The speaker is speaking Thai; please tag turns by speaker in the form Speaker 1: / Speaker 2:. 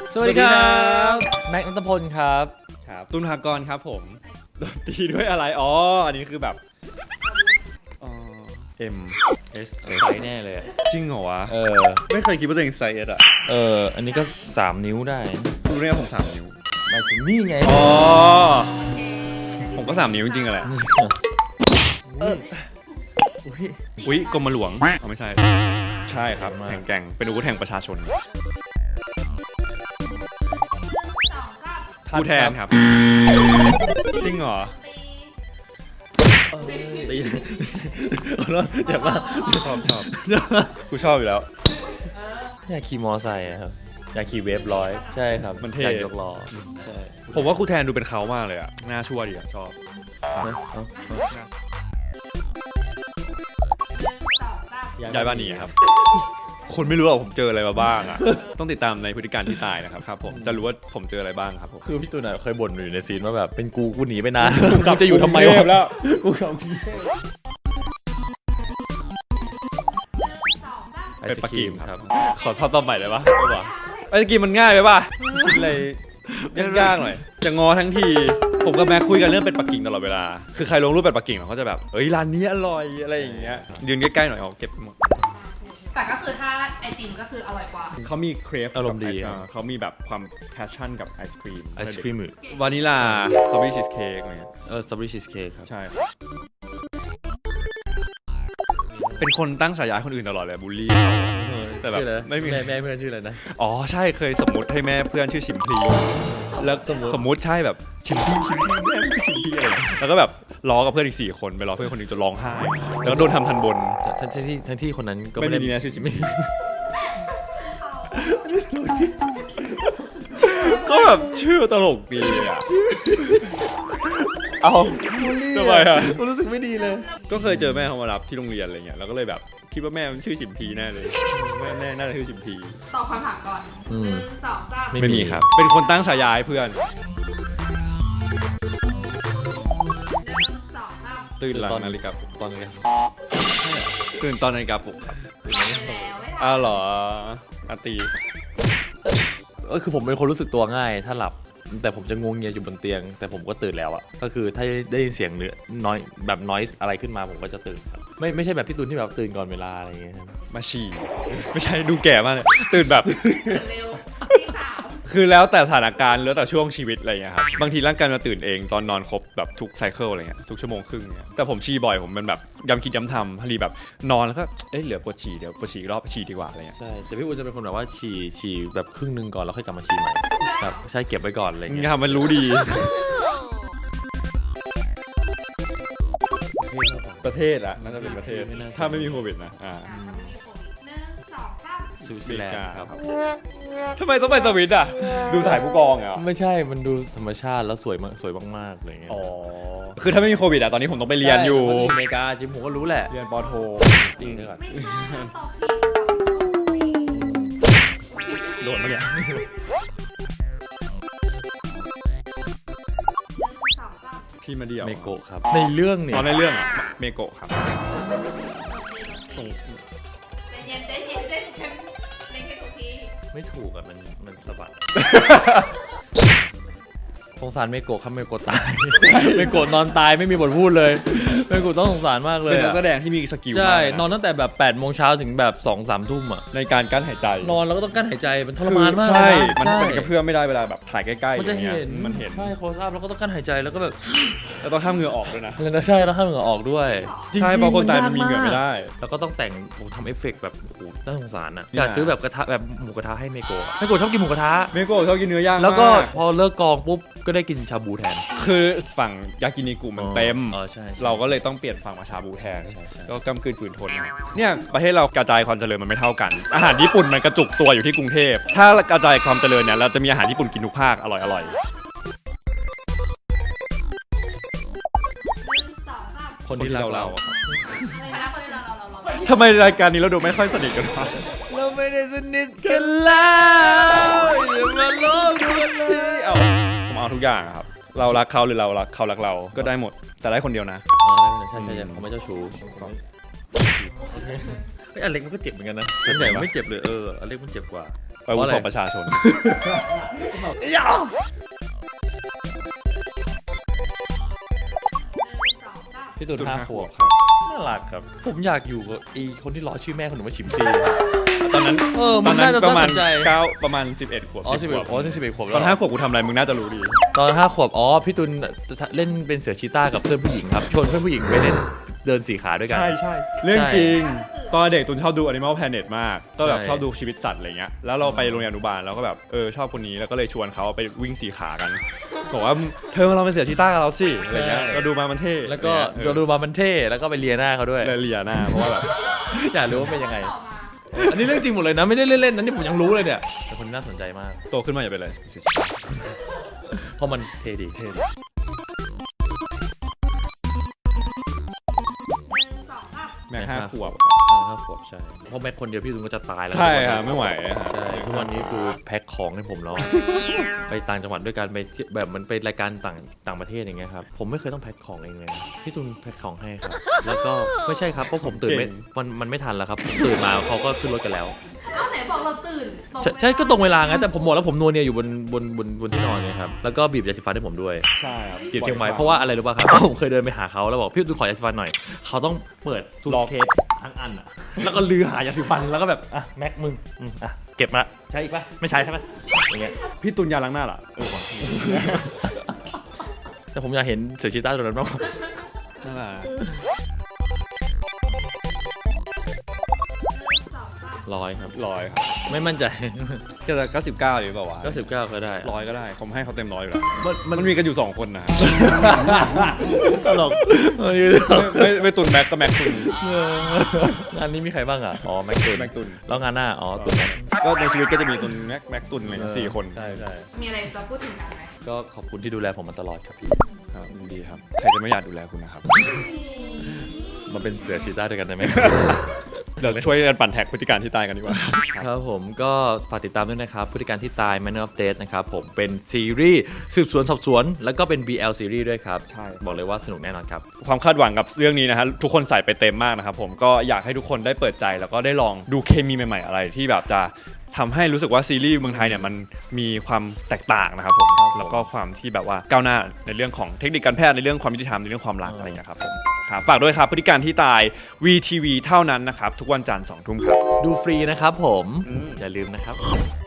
Speaker 1: สวัสดีครับแม็กซ์ ณัฐพลครับ
Speaker 2: ตุลภากรครับผมโดนตีด้วยอะไรอ๋ออันนี้คือแบบM S
Speaker 1: ไซส์แน่เลย
Speaker 2: จริงเหรอวะ
Speaker 1: ไม่
Speaker 2: เคยคิดว่าตัวเองไซส์ S อ่ะ
Speaker 1: อันนี้ก็3 นิ้วได้
Speaker 2: รู้เนี่ยผม3 นิ้ว
Speaker 1: หมายถึงนี่ไง
Speaker 2: อ๋อผมก็3 นิ้วจริงๆแหละอุ้ยกรมหลวงไม่ใช่ใช่ครับแห่งแกร่งเป็นอาวุธแห่งประชาชนผู้แทนครับจริงเหรอ
Speaker 1: ตีแล้วเดี๋ยวว่า
Speaker 2: ชอบกูชอบอยู่แล้ว
Speaker 1: อยากขี่มอไซค์ครับอยากขี่เวฟร้อยใช่ครับ
Speaker 2: มันเท่
Speaker 1: อยากยกล้อใช่
Speaker 2: ผมว่าครูแทนดูเป็นเขามากเลยอ่ะน่าชั่วดีอ่ะชอบย้ายบ้านหนีครับคนไม่รู้ว่าผมเจออะไรมาบ้างอ่ะต้องติดตามในพฤติการที่ตายนะครับผมจะรู้ว่าผมเจออะไรบ้างครับผม
Speaker 1: คือพี่ตูนเคยบ่นอยู่ในซีนว่าแบบเป็นกูหนีไปนานกูจะอยู่ทำไมวะ
Speaker 2: แล้วกู
Speaker 1: กลับ
Speaker 2: เป็นปักกิ่งครับขอทำต่อใหม่เลยปะไอศกรีมมันง่ายไปป่ะคิดอะไรยากๆหน่อยจะงอทั้งทีผมกับแม็กคุยกันเรื่องเป็ดปักกิ่งตลอดเวลาคือใครลงรูปเป็ดปักกิ่งเขาจะแบบเอ้ยร้านนี้อร่อยอะไรอย่างเงี้ยยืนใกล้ๆหน่อยเอาเก็บหมด
Speaker 3: แต่ก็คือถ้าไอติมก็คืออร่อยกว่า
Speaker 2: เขามีเครฟ
Speaker 1: อารมณ์ดี
Speaker 2: เขามีแบบความแพชชั่นกับไอศครีม
Speaker 1: หรือ
Speaker 2: วานิลาสตรอเบอรี่ชีสเค้กอะไรเงี้ย
Speaker 1: สตรอเบอรี่ชีสเค้กครับ
Speaker 2: ใช่เป็นคนตั้งฉายาคนอื่นตลอดเลยบูลลี่แต่แบบ
Speaker 1: ไม่มีแม่เพื่อนชื่ออะไรนะ
Speaker 2: อ๋อใช่เคยสมมติให้แม่เพื่อนชื่อชิมพลีแล้วสมมติใช่แบบชิมพลีแม่คือชิมพลีอะไรแล้วก็แบบล้อกับเพื่อนอีก4 คนไปล้อเพื่อนคนนึงจนร้องไห้แล้วก็โดนทำทันบน
Speaker 1: ทั้งที่คนนั้นก็
Speaker 2: ไม่ได้มีนะชื่อชิมพลีก็แบบชื่อตลกดีอ่ะเอาทำไมอ่ะ
Speaker 1: รู้สึกไม่ดีเลย
Speaker 2: ก็เคยเจอแม่เขามารับที่โรงเรียนอะไรเงี้ยแล้วก็เลยแบบคิดว่าแม่มันชื่อชิมพีแน่เลยแม่น่าจะชื่อชิมพี
Speaker 3: ตอบคำถามก่อน1 2 3
Speaker 2: ไม่มีครับเป็นคนตั้งฉายาให้เพื่อน
Speaker 3: 1 2 3
Speaker 2: ตื่นหลังนาฬิกาปลุก
Speaker 1: ตอนนี้
Speaker 2: ตื่นตอนนาฬิกาปลุกครับ
Speaker 3: แล้ว
Speaker 2: เหรออาตี
Speaker 1: คือผมเป็นคนรู้สึกตัวง่ายถ้าหลับแต่ผมจะงงเงียอยู่บนเตียงแต่ผมก็ตื่นแล้วอ่ะก็คือถ้าได้ยินเสียงน้อยแบบนอยส์อะไรขึ้นมาผมก็จะตื่นครับไม่ใช่แบบพี่ตูนที่แบบตื่นก่อนเวลาอะไรอย่างเงี้ย
Speaker 2: มาฉี่ไม่ใช่ดูแก่มากเลยตื่นแบบ
Speaker 3: เร็วที่3
Speaker 2: คือแล้วแต่สถานการณ์แล้วแต่ช่วงชีวิตอะไรเงี้ยครับบางทีร่างกายมาตื่นเองตอนนอนครบแบบทุกไซเคิลอะไรเงี้ยทุกชั่วโมงครึ่งเนี่ยแต่ผมฉี่บ่อยผมเป็นแบบย้ำคิดย้ำทำพอดีแบบนอนแล้วก็เหลือปวดฉี่เดี๋ยวปวดฉี่รอบฉี่ดีกว่าอะไรเงี้ย
Speaker 1: ใช่แต่พี่อู๋จะเป็นคนแบบว่าฉี่แบบครึ่งนึงก่อนแล้วค่อยกลับมาฉี่ใหม่แบบใช่เก็บไว้ก่อนอะไรเงี้
Speaker 2: ยมันรู้ดีประเทศอะน่าจะเป็นประเทศถ้าไม่มีโควิดนะ
Speaker 1: สวิตเซอร์แลนด์ครับ
Speaker 2: ทำไมต้องไปสวิตอ่ะดูสายผู้กองเหรอ
Speaker 1: ไม่ใช่มันดูธรรมชาติแล้วสวยมากๆอะไรเงี้ย
Speaker 2: อ๋อคือถ้าไม่มีโควิดอ่ะตอนนี้ผมต้องไปเรียนอยู่
Speaker 1: อเมริกาจริงผมก็รู้แหละ
Speaker 2: เรียนปโท
Speaker 1: จริงเลยก่อน
Speaker 3: ไม่ใช่ตอบ
Speaker 2: โดนมาเนี่ยพี่มาเดียว
Speaker 1: เมโกะครับในเรื่องเนี่ย
Speaker 2: ตอนในเรื่องเมโกะครับ
Speaker 3: ส่งเย็นเล่นให้ถูกที
Speaker 1: ไม่ถูกอ่ะมันสะบัดสงสารเมโกะครับเมโกะตายเมโกะนอนตายไม่มีบทพูดเลยเมโกะต้องสงสารมากเลย
Speaker 2: เป็นนักแสดงที่มีสกิล
Speaker 1: ใช่นอนตั้งแต่แบบ8 โมงเช้าถึงแบบ2-3 ทุ่มอ่ะ
Speaker 2: ในการกั้นหายใจ
Speaker 1: นอนแล้วก็ต้องกั้นหายใจมันทรมานมาก
Speaker 2: ใช่มันกระเพื่อมไม่ได้เวลาแบบถ่ายใกล้ๆ
Speaker 1: มันจะเห็นใช่โคสอัพแล้วก็ต้องกั้นหายใจแล้วก็แบบ
Speaker 2: แล้วต้องห้ามเหงื่อออกด้วยนะ
Speaker 1: ใช่แล้วห้ามเหงื่อออกด้วย
Speaker 2: ใช่เพราะคนตายมันมีเหงื่อไม่ได้
Speaker 1: แล้วก็ต้องแต่งทำเอฟเฟกต์แบบโอ้โหน่าสงสารอ่ะอยากซื้อแบบกระทะแบบหมูกระทะให้เมโกะชอบกินหมูกระทะ
Speaker 2: เมโกะชอบกินเนื้อย่าง
Speaker 1: แล้วก็พอเลิกกองปุ๊บก็ได้กินชาบูแทน
Speaker 2: คือฝั่งยากินิกุมันเต็ม
Speaker 1: ใช่
Speaker 2: เราก็เลยต้องเปลี่ยนฝั่งมาชาบูแทนก็กำกืนฝืนทนเนี่ยประเทศเรากระจายความเจริญมันไม่เท่ากันอาหารญี่ปุ่นมันกระจุกตัวอยู่ที่กรุงเทพถ้ากระจายความเจริญเนี่ยเราจะมีอาหารญี่ปุ่นกินทุกภาคอร่อย
Speaker 1: คนที่เรา
Speaker 2: ทำไมรายการนี้เราดูไม่ค่อยสนิทกันวะ
Speaker 1: เราไม่ได้สนิทกันแล้วอย่ามาโลกกันเลย
Speaker 2: ผมเอาทุกอย่างครับเรารักเขาหรือเรารักเขารักเราก็ได้หมดแต่ได้คนเดียวนะ
Speaker 1: ใช่เขาไม่เจ้าชู้อเล็กมันก็เจ็บเหมือนกันนะส่วนใหญ่มันไม่เจ็บเลยอเล็กมันเจ็บกว่า
Speaker 2: อาวุธของประชาชน
Speaker 1: พี่ตูน
Speaker 2: ตูน
Speaker 1: 5
Speaker 2: 5
Speaker 1: ขวบ
Speaker 2: ครับ
Speaker 1: น่ารักครับ ผมอยากอยู่กับไอ้คนที่ล้อชื่อแม่คนหนูว่าฉิมซี
Speaker 2: ตอนนั้น
Speaker 1: มันน่าจะ
Speaker 2: ประมาณ
Speaker 1: น่าสนใจ
Speaker 2: 9ประมาณ11ขวบ
Speaker 1: อ๋อ
Speaker 2: 10
Speaker 1: 11
Speaker 2: ขวบ
Speaker 1: อ๋อ11 ขวบ
Speaker 2: ต
Speaker 1: แล้
Speaker 2: อ
Speaker 1: วน
Speaker 2: 5 ขวบกูทำอะไรมึงน่าจะรู้ดี
Speaker 1: ตอน5 ขวบอ๋อพี่ตูนเล่นเป็นเสือชีต้ากับเพื่อนผู้หญิงครับชวนเพื่อนผู้หญิงไปเล่นเดิน4 ขาด้วยกัน
Speaker 2: ใช่เรื่องจริง
Speaker 3: ใช่
Speaker 2: ตอนเด็กตุนชอบดู Animal Planet มากก็แบบ
Speaker 1: ใช่
Speaker 2: ชอบดูชีวิตสัตว์อะไรเงี้ยแล้วเราไปโรงเรียนอนุบาลเราก็แบบชอบคนนี้แล้วก็เลยชวนเขาไปวิ่ง4 ขากันบอกว่าเธอมาลองเป็นเสือชีต้ากับเราสิอะไรเงี้ยเราดูมามันเท่
Speaker 1: แล้วก็
Speaker 2: อะไรเงี้ย
Speaker 1: เราดูมามันเท่แล้วก็ไปเลียหน้าเขาด้วย
Speaker 2: เลยเลียหน้าเพราะว่าแบบ
Speaker 1: อยากรู้ว่าเป็นยังไง
Speaker 3: ต่อมา
Speaker 1: อันนี้เรื่องจริงหมดเลยนะไม่ได้เล่นๆนะนี่ผมยังรู้เลยเนี่ยแต่คนน่าสนใจมาก
Speaker 2: โตขึ้นมาอย่าเป็นอะไร
Speaker 1: เพราะมันเท่ดี
Speaker 3: 1 2 3
Speaker 2: แม่5 ขวบ
Speaker 1: 5 ขวบใช่เพราะแม็กคนเดียวพี่ตูนก็จะตายแล้ว
Speaker 2: ใช่ครับไม่ไหวฮะ
Speaker 1: ใช่ทุกวันนี้คือแพ็คของให้ผมแล้ว ไปต่างจังหวัดด้วยกันไปเที่ยวแบบมันไปรายการต่างประเทศอย่างเงี้ยครับผมไม่เคยต้องแพ็คของเองเลยนะพี่ตูนแพ็คของให้ครับแล้วก็ไม่ใช่ครับเพราะผมตื่นไม่มันไม่ทันแล้วครับตื่นมาเขาก็ขึ้นรถกันแล้ว
Speaker 3: เอ้าไหนบอกเราตื่นตรง
Speaker 1: ใช่ก็ตรงเวลาไงแต่ผมบอกแล้วผมนัวเนียอยู่บนที่นอนไงครับแล้วก็บีบยาสีฟันให้ผมด้วย
Speaker 2: ใช่ครับ
Speaker 1: บีบเชียงใหม่เพราะว่าอะไรรู้ป่ะครับ ผมเคยเดินไปหาเขาแล้วบอกพี่ตูนขอยาสีฟันหน่อยเขาต้องเปิดซูทเคสทั้งอันอะแล้วก็ลือหายาสีฟันแล้วก็แบบอ่ะแม็กมึงอ่ะเก็บมาใช้อีกป่ะไม่ใช้ใช่ไหมอย่างเงี้ย
Speaker 2: พี่ตุนยาล้างหน้าล่ะ
Speaker 1: แต่ผมอยากเห็นเสือชีต้าตัวนั้นมาก
Speaker 2: นั่นแหละ
Speaker 1: 100 ครับ
Speaker 2: 100
Speaker 1: ไม่มั่นใจ
Speaker 2: ก็จะ99หรือเปล่าวะ
Speaker 1: 99ก็ได้
Speaker 2: 100ก็ได้ผมให้เขาเต็ม100อยู่แล้ว
Speaker 1: มัน
Speaker 2: มันมีกันอยู่2 คนนะ
Speaker 1: ตลก
Speaker 2: ไม่ตุนแม็กก็แม็กตุน
Speaker 1: งานนี้มีใครบ้างอ่ะอ๋อแม็กตุน
Speaker 2: แม็กตุน
Speaker 1: แล้วงานหน้าอ๋อตุนแม็ก
Speaker 2: ก็ในชีวิตก็จะมีตุนแม็กตุนอะไรอย่างเงี้ย4 คน
Speaker 1: ใช่ใช่
Speaker 3: มีอะไรจะพูดถึงกันไหม
Speaker 1: ก็ขอบคุณที่ดูแลผมมาตลอดครับพี่
Speaker 2: ครับดีครับใครจะไม่อยากดูแลคุณนะครับ
Speaker 1: มาเป็นเสือชีต้าด้วยกันได้ไหม
Speaker 2: เดี๋ยวช่วยกันปั่นแท็กพฤติการที่ตายกันดีกว่า
Speaker 1: ครับผมก็ฝากติดตามด้วยนะครับพฤติการที่ตาย Manner of Death นะครับผมเป็นซีรีส์สืบสวนสอบสวน แล้วก็เป็น BL ซีรีส์ด้วยครับ
Speaker 2: ใช่
Speaker 1: บอกเลยว่าสนุกแน่นอนครับ
Speaker 2: ความคาดหวังกับเรื่องนี้นะฮะทุกคนใส่ไปเต็มมากนะครับผมก็อยากให้ทุกคนได้เปิดใจแล้วก็ได้ลองดูเคมีใหม่ๆอะไรที่แบบจะทำให้รู้สึกว่าซีรีส์เมืองไทยเนี่ยมันมีความแตกต่างนะครับผมแล้วก็ความที่แบบว่าก้าวหน้าในเรื่องของเทคนิคการแพทย์ในเรื่องความยุติธรรมในเรื่องความรักอะไรอย่างเงี้ยครับผมครับฝากด้วยครับพฤติการที่ตาย VTV เท่านั้นนะครับทุกวันจันทร์ 20:00 นครับ
Speaker 1: ดูฟรีนะครับผมอย่าลืมนะครับ